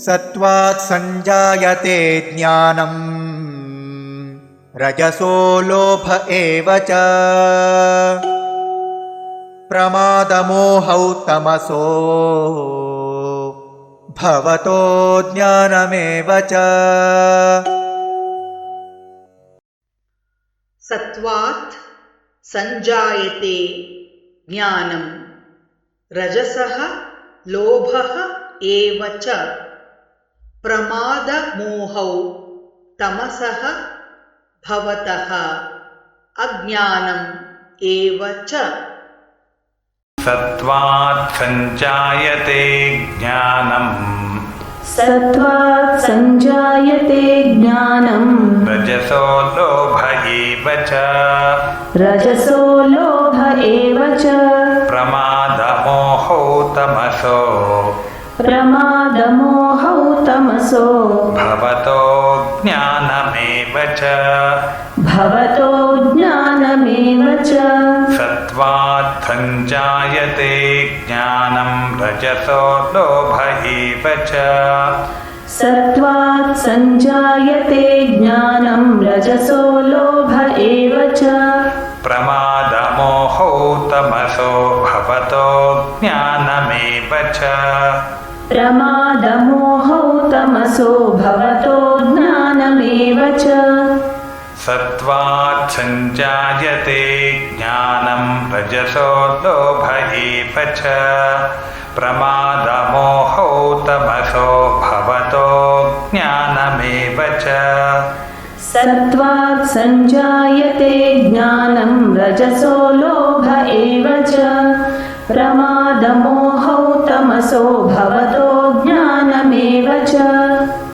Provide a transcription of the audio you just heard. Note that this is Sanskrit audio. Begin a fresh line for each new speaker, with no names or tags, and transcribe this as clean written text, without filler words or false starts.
सत्त्वात् सञ्जायते ज्ञानम् रजसो लोभ एव च प्रमादमोहौ तमसो भवतो ज्ञानमेव च।
सत्त्वात् सञ्जायते ज्ञानं रजसः लोभः एव च प्रमादमोहौ तमसः भवतः अज्ञानम् एव च।
सत्त्वात् सञ्जायते ज्ञानम्
सत्त्वात् सञ्जायते ज्ञानं
रजसो लोभ एव च
रजसो लोभ एव च
प्रमादमोहौ तमसो
प्रमादमोहौ तमसो
भवतो ज्ञानमेव च
भवतो ज्ञानमेव च।
सत्त्वात् सञ्जायते ज्ञानं रजसो लोभ एव च
सत्त्वात् सञ्जायते ज्ञानं रजसो लोभ एव च
प्रमादमोहौ तमसो भवतो ज्ञानमेव च
प्रमादमोहौ तमसो भवतो ज्ञानमेव च।
सत्त्वात् सञ्जायते ज्ञानं रजसो लोभ एव च प्रमादमोहौ तमसो भवतो ज्ञानमेव च।
सत्त्वात् सञ्जायते ज्ञानं रजसो लोभ एव च प्रमादमोहौ तमसो भवतो ज्ञानमेव च।